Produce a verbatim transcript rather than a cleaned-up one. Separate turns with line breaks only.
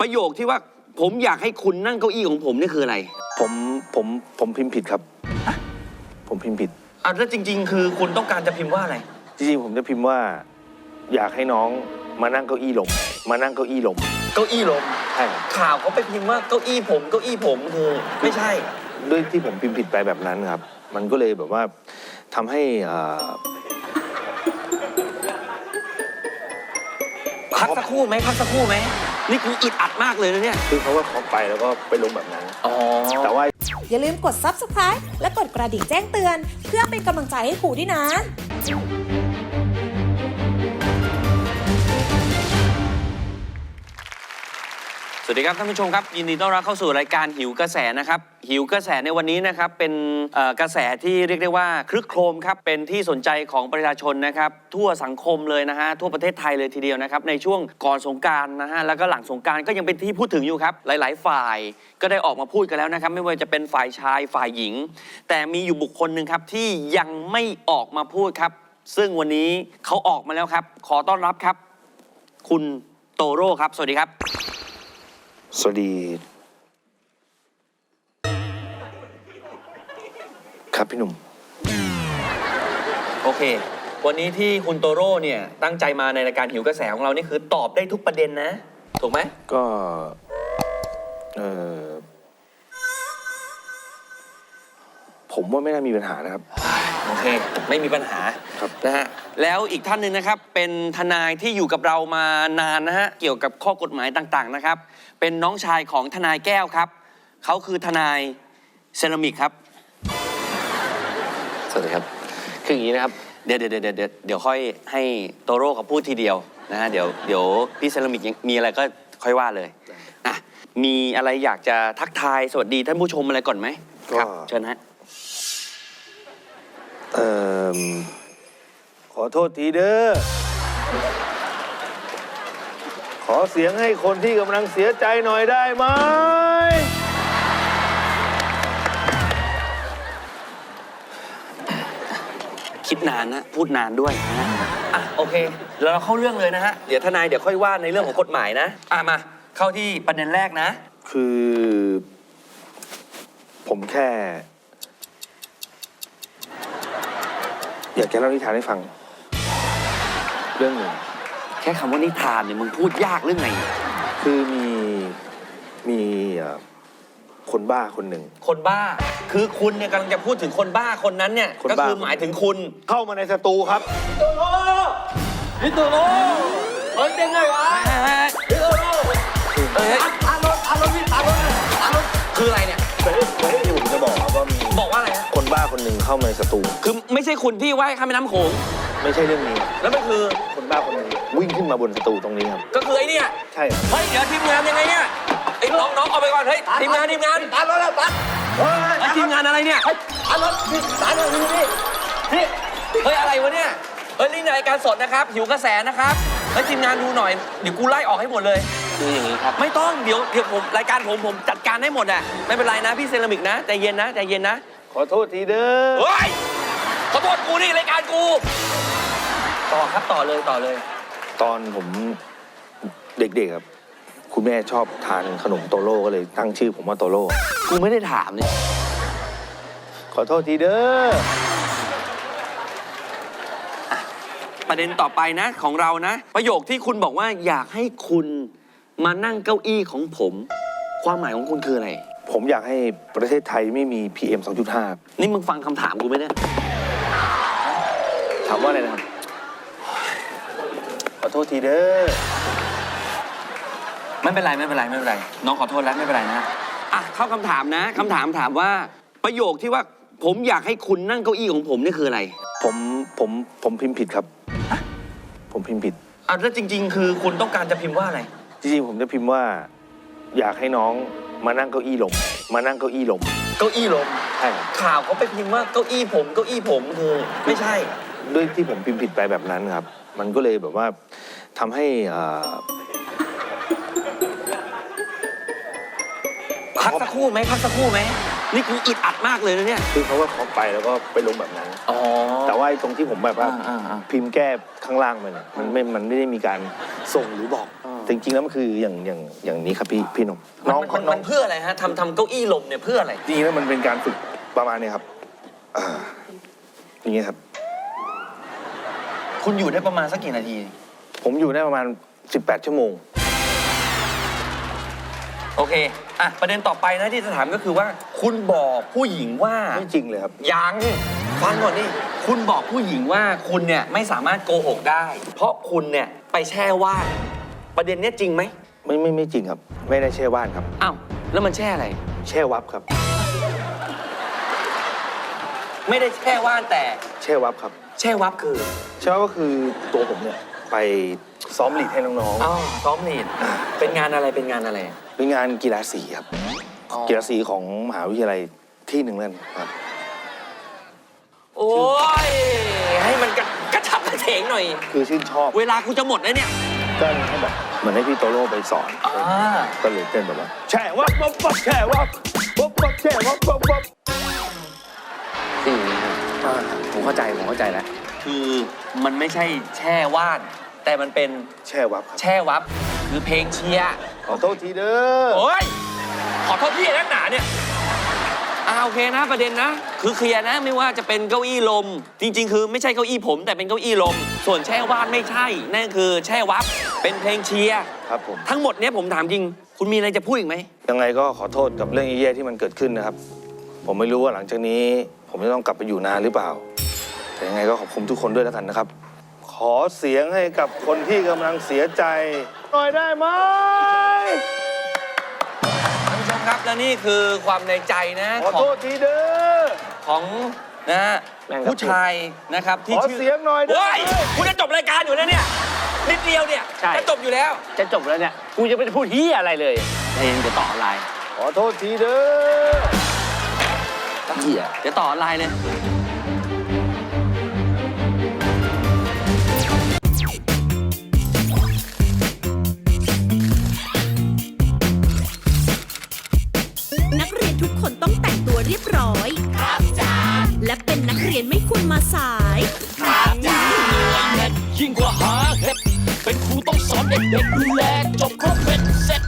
ประโยคที่ว่าผมอยากให้คุณนั่งเก้าอี้ของผมนี่คืออะไร
ผมผมผมพิมพ์ผิดครับผมพิมพ์ผิด
อ่ะแล้วจริงๆคือคุณต้องการจะพิมพ์ว่าอะไร
จริงๆผมจะพิมพ์ว่าอยากให้น้องมานั่งเก้าอี้ลมมานั่งเก้าอี้ลม
เก้าอี้ลม
ใช่
ข่าวเขาไปพิมพ์ว่าเก้าอี้ผมเก้าอี้ผมคือไม่ใช่
ด้วยที่ผมพิมพ์ผิดไปแบบนั้นครับมันก็เลยแบบว่าทำให้
พักสักครู่ไหมพักสักครู่ไหมนี่กูอึดอัดมากเลยนะเนี่ย
คือเขาว่าเขาไปแล้วก็ไปลงแบบนั้น
อ๋อ
แต่ว่า
อย่าลืมกด ซับสไครบ์ และกดกระดิ่งแจ้งเตือนเพื่อเป็นกำลังใจให้ครูด้วยนะ
สวัสดีครับท่านผู้ชมครับยินดีต้อนรับเข้าสู่รายการหิวกระแสนะครับหิวกระแสในวันนี้นะครับเป็นกระแสที่เรียกได้ว่าคลึกโครมครับเป็นที่สนใจของประชาชนนะครับทั่วสังคมเลยนะฮะทั่วประเทศไทยเลยทีเดียวนะครับในช่วงก่อนสงกรานต์นะฮะแล้วก็หลังสงกรานต์ก็ยังเป็นที่พูดถึงอยู่ครับหลายๆฝ่ายก็ได้ออกมาพูดกันแล้วนะครับไม่ว่าจะเป็นฝ่ายชายฝ่ายหญิงแต่มีอยู่บุคคลหนึ่งครับที่ยังไม่ออกมาพูดครับซึ่งวันนี้เขาออกมาแล้วครับขอต้อนรับครับคุณโตโร่ครับสวัสดีครับ
สวัสดีครับพี่หนุ่ม
โอเควันนี้ที่คุณโตโร่เนี่ยตั้งใจมาในรายการหิวกระแสของเรานี่คือตอบได้ทุกประเด็นนะถูกไหม
ก็เออผมว่าไม่น่ามีปัญหานะครับ
โอเคไม่มีปัญหา
ครับ
นะฮะแล้วอีกท่านหนึ่งนะครับเป็นทนายที่อยู่กับเรามานานนะฮะเกี่ยวกับข้อกฎหมายต่างๆนะครับเป็นน้องชายของทนายแก้วครับเขาคือทนายเซรามิกครับ
สวัสดีครับคืออย่างนี้นะครับ
เดี๋ยวเดี๋ยวเดี๋ยวเดี๋ยวเดี๋ยวค่อยให้โตโร่เขาพูดทีเดียวนะฮะเดี๋ยวเดี๋ยวพี่เซรามิกมีอะไรก็ค่อยว่าเลยอ่ะมีอะไรอยากจะทักทายสวัสดีท่านผู้ชมอะไรก่อนไหมครับเชิญฮะ
เอ่อขอโทษทีเด้อขอเสียงให้คนที่กำลังเสียใจหน่อยได้ไหม
คิดนานนะพูดนานด้วยนะอ่ะโอเคแล้วเราเข้าเรื่องเลยนะฮะเดี๋ยวทนายเดี๋ยวค่อยว่าในเรื่องของกฎหมายนะอ่ะมาเข้าที่ประเด็นแรกนะ
คือผมแค่อยากจะเล่านิทานให้ฟังเรื่องหนึ่ง
แค่คำว่านิทานเนี่ยมึงพูดยากเรื่องไง
คือมีมีคนบ้าคนหนึ่ง
คนบ้าคือคุณเนี่ยกำลังจะพูดถึงคนบ้าคนนั้นเนี่ยก็คือหมายถึงคุณ
เข้ามาในสตูครับ
โตโร่พี่โตโร่เฮ้ยเจ๋งเลยวะพี่โตโร่เฮ้ยตารถตารถพี่ตารถตารถคืออะไรเนี่ย
เฮ้ยเฮ้ยที่ผมจะบอกครับว่ามี
บอกว่าอะไรฮะ
คนบ้าคนหนึ่งเข้ามาในสตู
คือไม่ใช่คุณที่ว่ายข้ามแม่น้ำโขง
ไม่ใช่เรื่องนี้
แล้วมันคือ
คนบ้าคนหนึ่งวิ่งขึ้นมาบนสตูตรงนี้ครับ
ก็คือไอ้นี่
ใช่
เฮ้ยเดี๋ยวทีมงานยังไงเนี่ยไอ้น้องน้องเอาไปก่อนเฮ้ยทีมงานทีมงาน
ตัดรถแล้วตัด
เฮ้ยทีมงานอะไรเนี่ยตัดรถตัดรถนี่นี่นี่เฮ้ยอะไรวะเนี่ยเฮ้ยนี่รายการสดนะครับหิวกระแสนะครับเฮ้ยทีมงานดูหน่อยเดี๋ยวกูไล่ออกให้หมดเลย
คืออย่างนี้ครับ
ไม่ต้องเดี๋ยวเดี๋ยวผมรายการผมผมจัดการให้หมดอ่ะไม่เป็นไรนะพี่เซรามิกนะใจเย็นนะใจเย็นนะ
ขอโทษทีเด้อ
เฮ้ยขอโทษกูนี่รายการกูต่อครับต่อเลยต่อเลย
ตอนผมเด็กๆครับคุณแม่ชอบทานขนมโตโร่ก็เลยตั้งชื่อผมว่าโตโร่
กูไม่ได้ถามเนี่ย
ขอโทษทีเด้อ
ประเด็นต่อไปนะของเรานะประโยคที่คุณบอกว่าอยากให้คุณมานั่งเก้าอี้ของผมความหมายของคุณคืออะไร
ผมอยากให้ประเทศไทยไม่มี พี เอ็ม สองจุดห้า
นี่มึงฟังคำถามกูไหมเนี่ย
ถามว่าอะไรนะครับขอโทษทีเด้อ
ไม่เป็นไรไม่เป็นไรไม่เป็นไรน้องขอโทษแล้วไม่เป็นไรนะอ่ะเข้าคำถามนะคำถามถามว่าประโยคที่ว่าผมอยากให้คุณนั่งเก้าอี้ของผมนี่คืออะไร
ผมผมผมพิมพ์ผิดครับผมพิมพ์ผิด
อ่ะแล้วจริงๆคือคุณต้องการจะพิมพ์ว่าอะไร
จริงๆผมจะพิมพ์ว่าอยากให้น้องมานั่งเก้าอี้ลมมานั่งเก้าอี้ลม
เก้าอี้ลม
ใช่
ข่าวเขาไปพิมพ์ว่าเก้าอี้ผมเก้าอี้ผมคือไม่ใช่
ด้วยที่ผมพิมพ์ผิดไปแบบนั้นครับมันก็เลยแบบว่าทำให้
พักสักครู่ไหมพักสักครู่ไหมนี่กูอึดอัดมากเลยนะเนี่ย
คือเขาว่าเขาไปแล้วก็ไปลงแบบนั้น
อ๋อ
แต่ว่าตรงที่ผมแบบว่าพิมพ์แก้ข้างล่างมันมันไม่มันไม่ได้มีการส่งหรือบอกจริงๆแล้วมันคืออย่างอย่างอย่างนี้ครับพี่พี่หนม
น้
น้
อ
อง ง
มัน
น้
มั
อง
นเพื่ออะไรฮะทำทำเก้าอี้ลมเนี่ยเพื่ออะไร
จริงๆแล้วมันเป็นการฝึกประมาณนี้ครับอ่าอย่างเงี้ยครับ
คุณอยู่ได้ประมาณสักกี่นาที
ผมอยู่ได้ประมาณสิบแปดชั่วโมง
โอเคอ่ะประเด็นต่อไปนะที่จะถามก็คือว่า คุณบอกผู้หญิงว่า
ไม่จริงเลยครับ
ยังฟังก่อนดิคุณบอกผู้หญิงว่าคุณเนี่ยไม่สามารถโกหกได้ เพราะคุณเนี่ยไปแช่ว่านประเด็นเนี้ยจริงไหม
ไม่ไม่ไม่จริงครับ ไม่ได้แช่ว่านครับ
อ้าวแล้วมันแช่อะไร
แช่วับครับ
ไม่ได้แช่ว่านแต่
แช่วับครับ
แช่วับคือ
แช่วับก็คือตัวผมเนี่ยไปซ้อมลีดให้น้อง
อ๋อซ้อมลีดเป็นงานอะไรเป็นงานอะไร
ๆเป็นงานกีฬาสีครับ
อ๋อ
กีฬาสีของมหาวิทยาลัยที่หนึ่งนั่นครับ
โอ้ยให้มันกระกระฉับกระเฉงหน่อย
คือชื่นชอบ
เวลากูจะหมดแล้วเนี่ย
ก็ให้แบบเหมือนให้พี่โตโร่ไปสอน
อ่า
ก็เลยเต้นแบบว่าแช่วับวับวับแช่วับวับวับแช่วับวับวับ
คืออย่างนี้ครับ
อ่า
ผมเข้าใจผมเข้าใจแล้ว คือมันไม่ใช่แช่ว่าน แต่มันเป็น
แช่วับครับ
แช่วับ คือเพลงเชียร์
ขอโทษทีเด้อ
โอ้ยขอโทษพี่นักหนาเนี่ยอ่าโอเคนะประเด็นนะ คือเคลียร์นะไม่ว่าจะเป็นเก้าอี้ลม จริง ๆ คือไม่ใช่เก้าอี้ผมแต่เป็นเก้าอี้ลม ส่วนแช่ว่านไม่ใช่ นั่นคือแช่วับเป็นเพลงเชียร์
ครับผม
ทั้งหมดเนี้ยผมถามจริง คุณมีอะไรจะพูดอีกไหม
ยังไงก็ขอโทษกับเรื่องแย่ๆที่มันเกิดขึ้นนะครับ ผมไม่รู้ว่าหลังจากนี้ ผมจะต้องกลับไปอยู่นานหรือเปล่า แต่ยังไงก็ขอบคุณทุกคนด้วยแล้วกันนะครับ ขอเสียงให้กับคนที่กำลังเสียใจหน่อยได้ไหม
ท่านผู้ชมครับและนี่คือความในใจนะ
ขอ
ขอ
โท
ง
ษทีเด้อ
ของนะฮะ
แม่งครับ
ผู้ชายนะครับที่
ขอ
ชื่อ
เสียงหน่อยเด้อ
เฮ้ยคุณจะจบรายการอยู่แล้วเนี่ยนิดเดียวเนี่ย
ใช่
จะจบอยู่แล้ว
จะจบแล้วเนี่ย กูจะไม่ได้พูดที่อะไรเลยเองจะต่ออะไร
ขอโทษทีเด้อ
เหี้ย
เดี๋ยวต่อออนไลน์เลย
นักเรียนทุกคนต้องแต่งตัวเรียบร้อย ครับจ้าและเป็นนักเรียนไม่ควรมาสาย
ยิ่งกว่าหาเห็ดเป็นครูต้องสอนเด็กๆดูแลจบครบเป็นเสร็จ